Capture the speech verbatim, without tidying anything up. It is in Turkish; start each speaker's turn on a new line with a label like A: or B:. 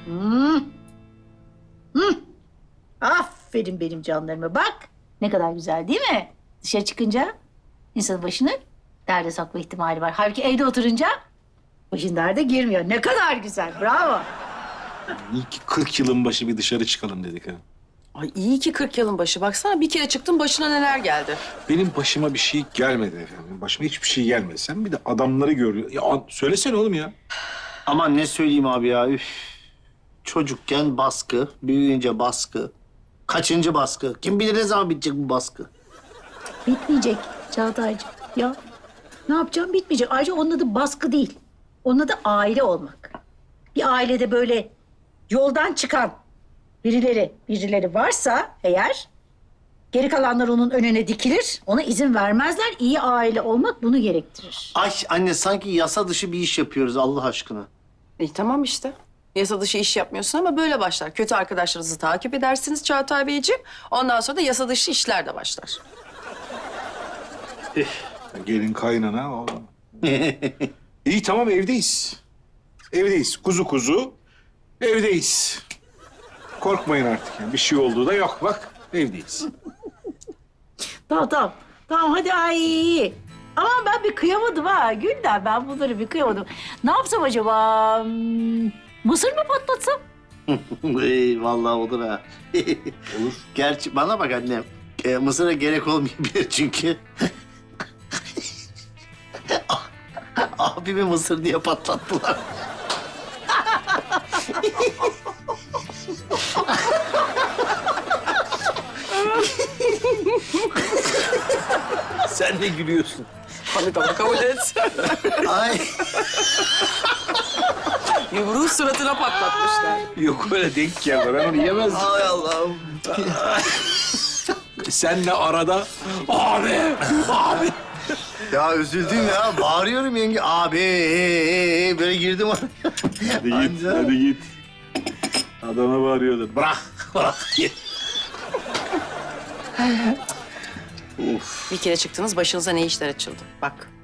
A: Hmm. Hmm. Aferin benim canlarıma. Bak ne kadar güzel değil mi? Dışarı çıkınca insanın başını derde sokma ihtimali var. Halbuki evde oturunca başın derde girmiyor. Ne kadar güzel. Bravo.
B: İyi ki kırk yılın başı bir dışarı çıkalım dedik ha.
C: Ay iyi ki kırk yılın başı. Baksana bir kere çıktın başına neler geldi.
B: Benim başıma bir şey gelmedi efendim. Başıma hiçbir şey gelmedi. Sen bir de adamları görüyor. Ya an- söylesene oğlum ya.
D: Aman ne söyleyeyim abi ya. Üf. Çocukken baskı, büyüyünce baskı. Kaçıncı baskı? Kim bilir ne zaman bitecek bu baskı?
A: Bitmeyecek Çağatay'cığım. Ya ne yapacağım bitmeyecek. Ayrıca onun adı baskı değil. Onun adı aile olmak. Bir ailede böyle yoldan çıkan birileri, birileri varsa eğer geri kalanlar onun önüne dikilir. Ona izin vermezler. İyi aile olmak bunu gerektirir.
D: Ay anne sanki yasa dışı bir iş yapıyoruz Allah aşkına.
C: İyi tamam işte. Yasa dışı iş yapmıyorsun ama böyle başlar. Kötü arkadaşlarınızı takip edersiniz Çağatay Beyciğim. Ondan sonra da yasa dışı işler de başlar.
B: Gelin kaynana. o- İyi tamam evdeyiz. Evdeyiz. Kuzu kuzu. Evdeyiz. Korkmayın artık yani. Bir şey olduğu da yok. Bak evdeyiz.
A: Tamam tamam. Tamam hadi ay. Ama ben bir kıyamadım ha. Gülden ben bunları bir kıyamadım. Ne yapsam acaba? Hmm, Mısır mı patlatsam?
D: Ey, vallahi olur ha.
B: Olur.
D: Gerçi bana bak annem. E, Mısır'a gerek olmayabilir çünkü. Abimi Mısır diye patlattılar. Sen ne gülüyorsun?
C: Tabii tabii kabul et.
D: Ay.
C: Yumruğu suratına patlatmışlar.
B: Yok öyle denk geldi. Ben onu yemezdim.
D: Ay Allah'ım.
B: Senle arada abi, abi.
D: Ya üzüldüm ya. Bağırıyorum yenge. Abi ee, ee, böyle girdim oraya.
B: Hadi git,
D: Anca.
B: hadi git. Adama bağırıyordun. Bırak, bırak.
C: Bir kere çıktınız başınıza ne işler açıldı. Bak